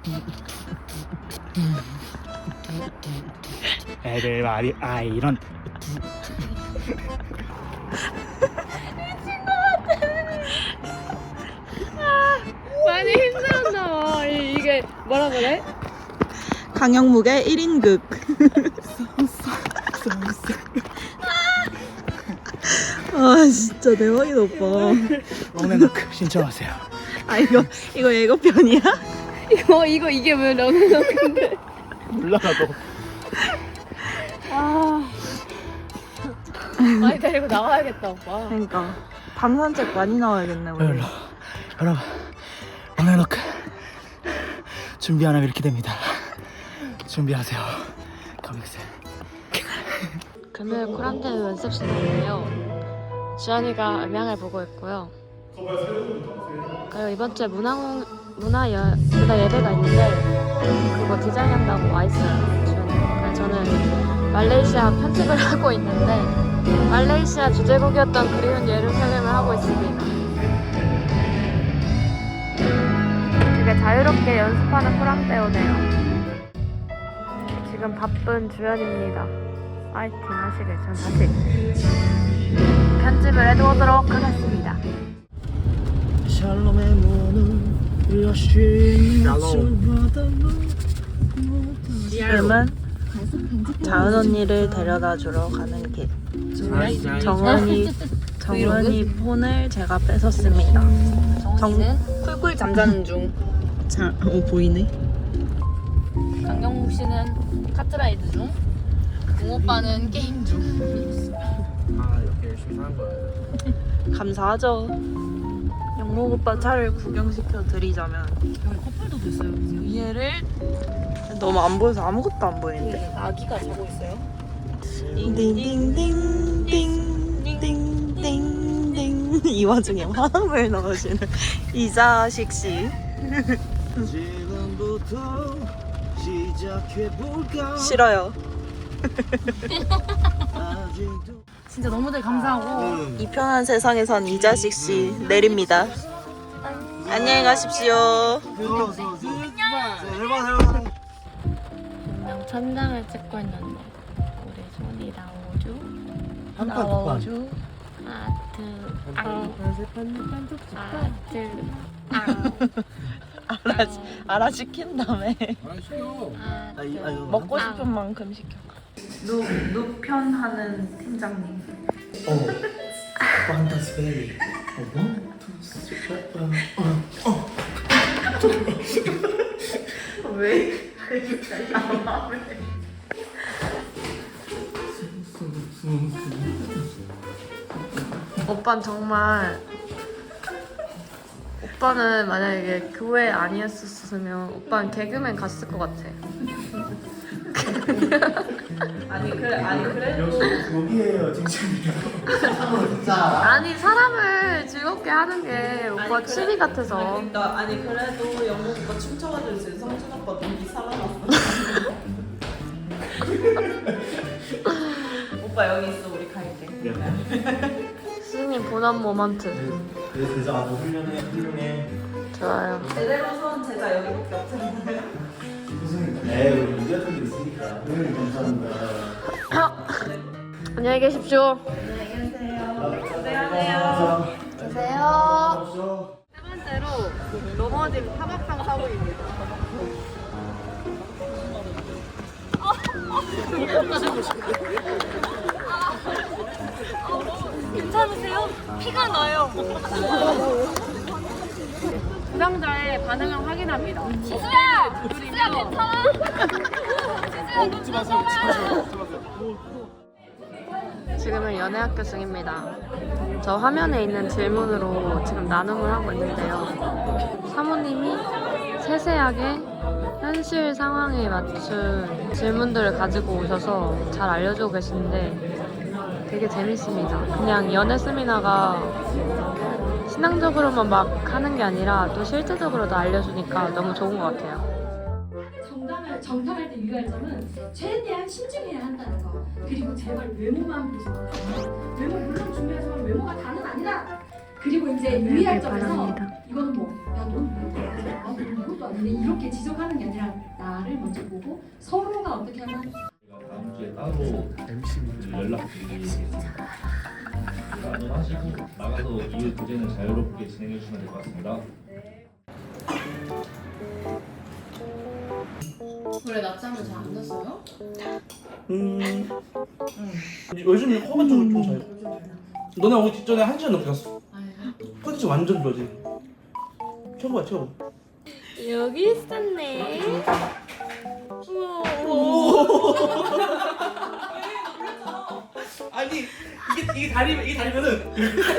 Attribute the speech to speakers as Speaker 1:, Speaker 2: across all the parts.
Speaker 1: 애들 말이 아이런.
Speaker 2: 많이 힘들었나 봐. 이게 뭐라 그래?
Speaker 3: 강영묵의 1인극. 아 진짜 대박이다 오빠.
Speaker 1: 롱앤로크 신청하세요.
Speaker 3: 아 이거 예고편이야?
Speaker 2: 이게 왜 너무 근데
Speaker 1: 몰라 나도.
Speaker 2: 많이 데리고 나가야겠다 오빠.
Speaker 3: 그러니까 밤 산책 많이 나와야겠네 우리.
Speaker 1: 여러분 롱앤로크 준비 안 하면 이렇게 됩니다. 준비하세요. 가보겠어요.
Speaker 2: 금요일 쿨한데 연습 시간이에요. 주한이가 음향을 보고 있고요. 그리고 이번 주에 문화 예배가 있는데 그거 디자인한다고 와 있어요. 주한이가. 저는 말레이시아 편집을 하고 있는데 말레이시아 주제곡이었던 그리운 예루살렘을 하고 있습니다. 되게 자유롭게 연습하는 쿨한데오네요. 지금 바쁜 주연입니다. 파이팅 하시길 전 다시 편집을 해두도록 하겠습니다.
Speaker 1: 샬롬의 문을 여시.
Speaker 3: 지금은 자은 언니를 데려다 주러 가는 길. 정은이 폰을 제가 뺏었습니다.
Speaker 2: 쿨쿨 잠자는 중.
Speaker 3: 자, 보이네.
Speaker 2: 강경묵 씨는 카트라이드 중. 웅오빠는 게임 중.
Speaker 1: 아 이렇게 열심히 사는 거야.
Speaker 3: 감사하죠. 영목 오빠 차를 구경시켜 드리자면
Speaker 2: 여기 커플도 됐어요.
Speaker 3: 얘를 너무 안 보여서 아무것도 안 보이는데.
Speaker 2: 아기가 자고 있어요.
Speaker 3: 띵띵띵띵띵띵띵띵 이 와중에 화음을 넣으시는 이자식 씨.
Speaker 1: 지금부터 시작해볼까.
Speaker 3: 싫어요.
Speaker 1: 아직도
Speaker 2: 진짜 너무들 감사하고
Speaker 3: 이 편한 세상에선 이자식 씨 내립니다. 안녕히 가십시오.
Speaker 1: 그냥
Speaker 2: 천장을 찍고 있는데 우리 손이 나오죠? 나오죠? 아트 아트
Speaker 3: 알아시킨 다음에 먹고
Speaker 1: 어.
Speaker 3: 싶은 만큼 시켜. 누편하는 팀장님.
Speaker 1: 판타스 베리.
Speaker 3: 왜? 오빠는 정말 오빠는 만약에 교회 아니었었으면 오빠는 개그맨 갔을 것 같아. 아니 그래도
Speaker 1: 여기에요 칭찬이요.
Speaker 3: 아니 사람을 즐겁게 하는 게 오빠 취미 같아서.
Speaker 4: 그러니까 아니 그래도 영국 오빠 춤춰가지고 이제 성준 오빠 눈이 살아났어. 오빠 여기 있어 우리 갈게.
Speaker 3: 스님 본원 모먼트.
Speaker 1: 그래서 대장 아주 훌륭해.
Speaker 3: 좋아요.
Speaker 4: 제대로 선 제자 여기밖에 없잖아요.
Speaker 1: 무슨 에이 우리 이제 턱이 있으니까. 늘 감사합니다.
Speaker 3: 안녕히 계십시오.
Speaker 1: 안녕하세요.
Speaker 3: 계세요. 세 번째로 넘어진 타박상 사고입니다.
Speaker 2: 괜찮으세요? 피가 나요. 부상자의 반응을 확인합니다. 지수야! 지수야 괜찮아? 지수야 눈 뜨잖아.
Speaker 3: 지금은 연애학교 중입니다. 저 화면에 있는 질문으로 지금 나눔을 하고 있는데요. 사모님이 세세하게 현실 상황에 맞춘 질문들을 가지고 오셔서 잘 알려주고 계시는데 되게 재밌습니다. 그냥 연애 세미나가 신앙적으로만 막 하는 게 아니라 또 실제적으로도 알려주니까 너무 좋은 것 같아요.
Speaker 5: 정당할 때 유의할 점은 최대한 신중해야 한다는 거. 그리고 제발 외모만 보지 마. 외모 물론 중요하지만 외모가 다는 아니다. 그리고 이제
Speaker 3: 네,
Speaker 5: 유의할 점에서
Speaker 3: 바랍니다.
Speaker 5: 이거는 넌 이것도 아닌데 이렇게 지적하는 게 아니라 나를 먼저 보고 서로가 어떻게 하면
Speaker 1: 제가 다음 주에 따로 연락드리겠습니다. 안전하시고 나가서 이 교재는 자유롭게 진행해 주시면 될 것 같습니다.
Speaker 2: 원래 낮잠을 잘 안 잤어요?
Speaker 6: 요즘 코가 좀 잘. 너네 오기 직전에 1시간 넘게 갔어. 컨디션 완전 좋아지. 최고야 최고.
Speaker 3: 여기 있었네.
Speaker 6: 아니 이게 다리면은.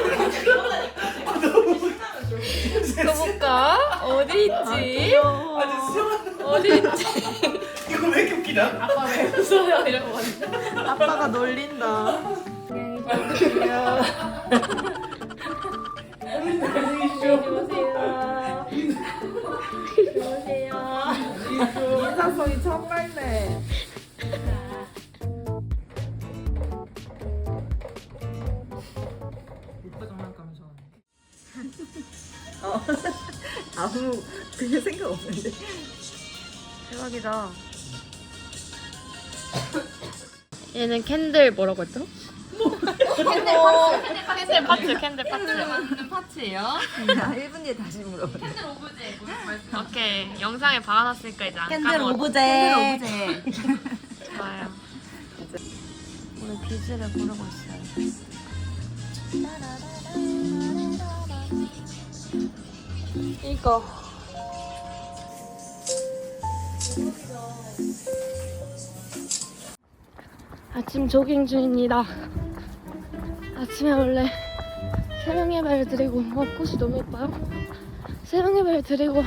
Speaker 3: 가볼까? 어디 있지?
Speaker 6: 아니 수영하는
Speaker 3: 어디 있지?
Speaker 6: 이거 왜 이렇게 웃기냐?
Speaker 2: 아빠 왜 웃어요? 이러고 왔는데
Speaker 4: 아빠가 놀린다. 인사성이 참말네. 아무 그게 생각 없는데.
Speaker 3: 대박이다. 얘는 캔들 뭐라고 했죠? 캔들 파츠.
Speaker 2: 파츠예요?
Speaker 4: 1분 뒤에 다시 물어봐.
Speaker 2: 캔들 오브제.
Speaker 3: 오케이. 영상에 박아놨으니까 이제 안
Speaker 4: 캔들
Speaker 3: 까먹어.
Speaker 4: 오브제.
Speaker 3: 좋아요. 오늘 비즈를 고르고 있어요. 이거. 아침 조깅 중입니다. 아침에 원래 새벽 예배를 드리고 꽃이 너무 예뻐요. 새벽 예배를 드리고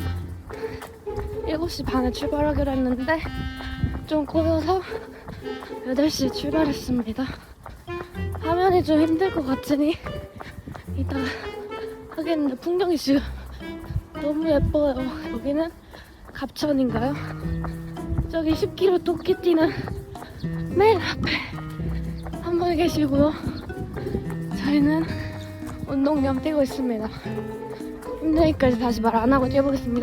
Speaker 3: 7시 반에 출발하기로 했는데 좀 꼬여서 8시에 출발했습니다. 화면이 좀 힘들 것 같으니 이따가 하겠는데 풍경이 지금 너무 예뻐요. 여기는 갑천인가요? 저기 10km 토끼띠는 맨 앞에 한 분 계시고요. 저희는 운동량 뛰고 있습니다. 힘드니까 이제 다시 말 안 하고 뛰어보겠습니다.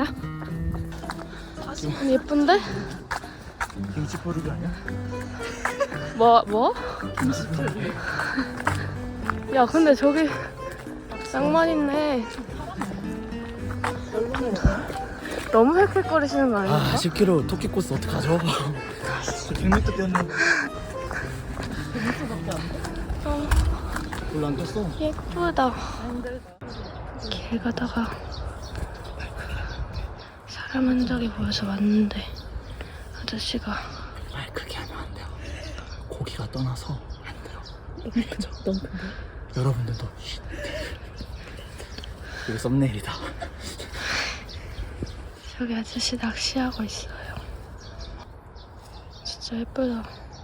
Speaker 3: 예쁜데?
Speaker 6: 김치 버리기 아니야?
Speaker 3: 뭐? 야 근데 저기 낭만 있네. 너무 헥헥거리시는 거 아니야?
Speaker 7: 10km 토끼 코스 어떡하죠?
Speaker 6: 100m 뛰었는데.
Speaker 7: 별로 안 뛰었어.
Speaker 3: 예쁘다. 길 가다가 사람 흔적이 보여서 왔는데 아저씨가
Speaker 7: 말 크게 하면 안 돼요. 고기가 떠나서 안 돼요. 그죠? 너무 큰데? 여러분들도 쉿. 이거 썸네일이다.
Speaker 3: 저기 아저씨 낚시하고 있어요. 진짜 예쁘다.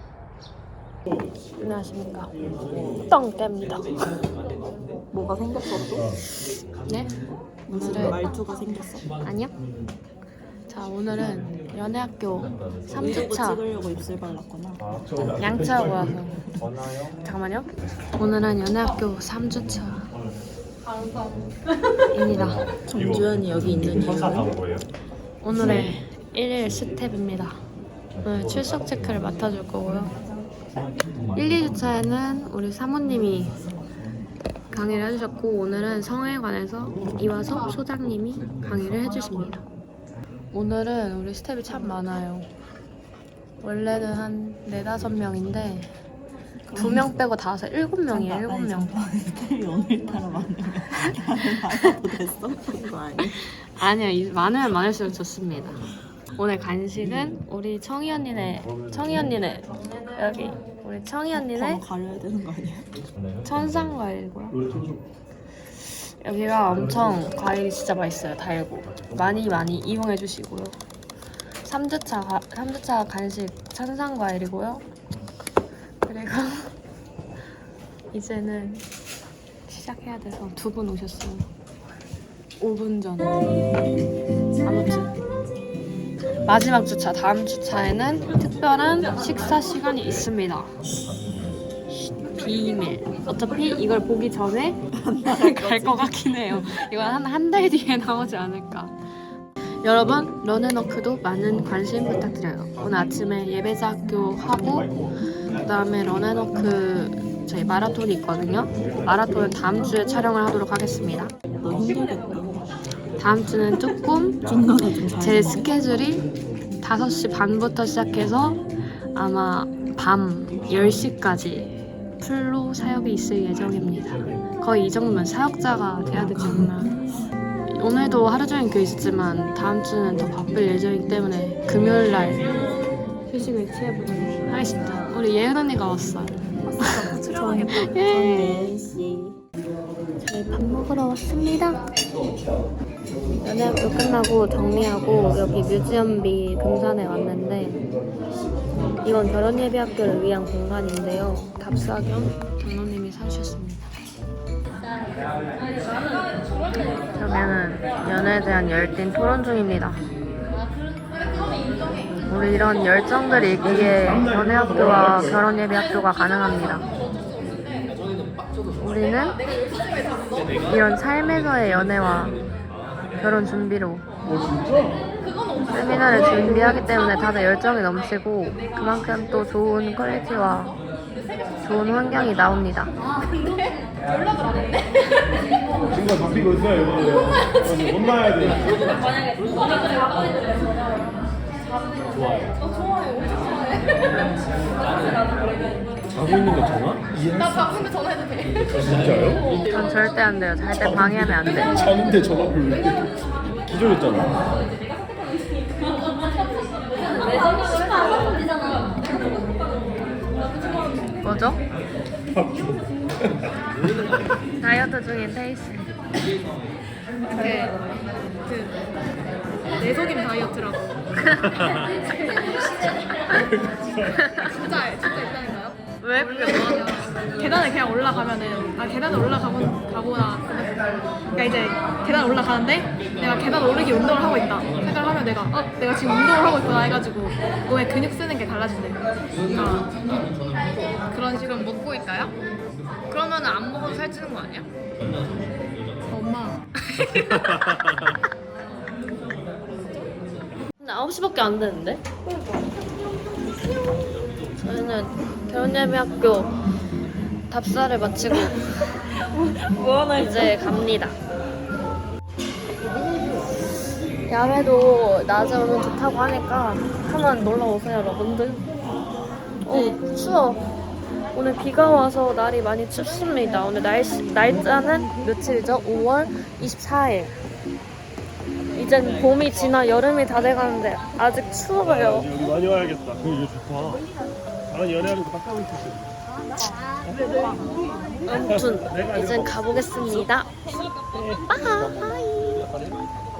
Speaker 3: 안녕하십니까. 똥개입니다.
Speaker 4: 뭐가 생겼어 또?
Speaker 3: 네?
Speaker 4: 무슨 말투가 생겼어?
Speaker 3: 아니요. 자 오늘은 연애학교 3주차
Speaker 4: 찍으려고 입술 발랐구나.
Speaker 3: 양치하고 와서 잠깐만요. 오늘은 연애학교 3주차 입니다.
Speaker 4: 정주현이 여기 있는 이유는?
Speaker 3: 오늘의 1일 스텝입니다. 오늘 출석 체크를 맡아줄 거고요. 1, 2주차에는 우리 사모님이 강의를 해주셨고 오늘은 성에 관해서 이화섭 소장님이 강의를 해주십니다. 오늘은 우리 스텝이 참 많아요. 원래는 한 4, 5명인데 2명 빼고 다 와서 7명이에요. 7명.
Speaker 4: 스텝이 오늘따라 많으면 나가도 됐어? 그거 아니야?
Speaker 3: 아니요. 많으면 많을수록 좋습니다. 오늘 간식은 우리 청이 언니네 여기 우리 청이 언니네
Speaker 4: 가려야 되는 거 아니야?
Speaker 3: 천상과일이고요. 여기가 엄청 과일이 진짜 맛있어요. 달고 많이 이용해 주시고요. 3주차 간식 천상과일이고요. 그리고 이제는 시작해야 돼서 2분 오셨어요. 5분 전. 아무튼 마지막 주차, 다음 주차에는 특별한 식사 시간이 있습니다. 비밀. 어차피 이걸 보기 전에 갈 것 같긴 해요. 이건 한 달 뒤에 나오지 않을까. 여러분, 런앤워크도 많은 관심 부탁드려요. 오늘 아침에 예배자학교 하고 그다음에 런앤워크 저희 마라톤이 있거든요. 마라톤은 다음 주에 촬영을 하도록 하겠습니다.
Speaker 4: 너 힘들겠다.
Speaker 3: 다음 주는 조금 제 스케줄이 5시 반부터 시작해서 아마 밤 10시까지 풀로 사역이 있을 예정입니다. 거의 이 정도면 사역자가 돼야 되지 않나. 오늘도 하루 종일 교회 있었지만 다음 주는 더 바쁠 예정이기 때문에 금요일날 휴식을 취해보도록 하겠습니다. 우리 예은 언니가 왔어요.
Speaker 4: 촬영하겠다.
Speaker 3: 예. 저희 밥 먹으러 왔습니다. 연애학교 끝나고 정리하고 여기 뮤지엄비 금산에 왔는데 이건 결혼예비학교를 위한 공간인데요. 답사 겸 장로님이 사주셨습니다. 저는 연애에 대한 열띤 토론 중입니다. 우리 이런 열정들이 있기에 연애학교와 결혼예비학교가 가능합니다. 우리는 이런 삶에서의 연애와 결혼 준비로 세미나를 준비하기 때문에 다들 열정이 넘치고 그만큼 또 좋은 퀄리티와 좋은 환경이 나옵니다.
Speaker 1: 친구가 잡히고 있어요, 여러분들. 못 나야 돼. 자고 있는 거 전화?
Speaker 2: 나 자는데 전화해도 돼?
Speaker 1: 진짜요?
Speaker 3: 전 절대 안 돼요. 잘 때 방해하면 안 돼.
Speaker 1: 자는데 전화를 왜 이렇게 기절했잖아.
Speaker 3: 뭐죠? 다이어트 중인 테이스.
Speaker 2: 내속임 다이어트라고. 진짜 있다니까요?
Speaker 3: 왜 그게 뭐야?
Speaker 2: 계단을 그냥 올라가면은 계단을 가거나 그러니까 이제 계단 올라가는데 내가 계단 오르기 운동을 하고 있다 생각을 하면 내가 지금 운동을 하고 있구나 해가지고 몸에 근육 쓰는 게 달라진대. 그러니까 그런 식으로
Speaker 3: 먹고 있다요? 그러면 안 먹어도 살찌는 거 아니야?
Speaker 2: 엄마
Speaker 3: 근데 9시밖에 안 되는데? 저희는 결혼예비학교 답사를 마치고 이제 갑니다. 야외도 낮에 오면 좋다고 하니까 한번 놀러 오세요, 여러분들. 추워. 오늘 비가 와서 날이 많이 춥습니다. 오늘 날짜는 며칠이죠? 5월 24일. 이젠 봄이 지나 여름이 다 돼가는데 아직 추워요.
Speaker 1: 여기 많이 와야겠다. 이거 좋다. 나는 연애하는 거 딱 하고 있었어.
Speaker 3: 아무튼 이젠 가보겠습니다. 빠이.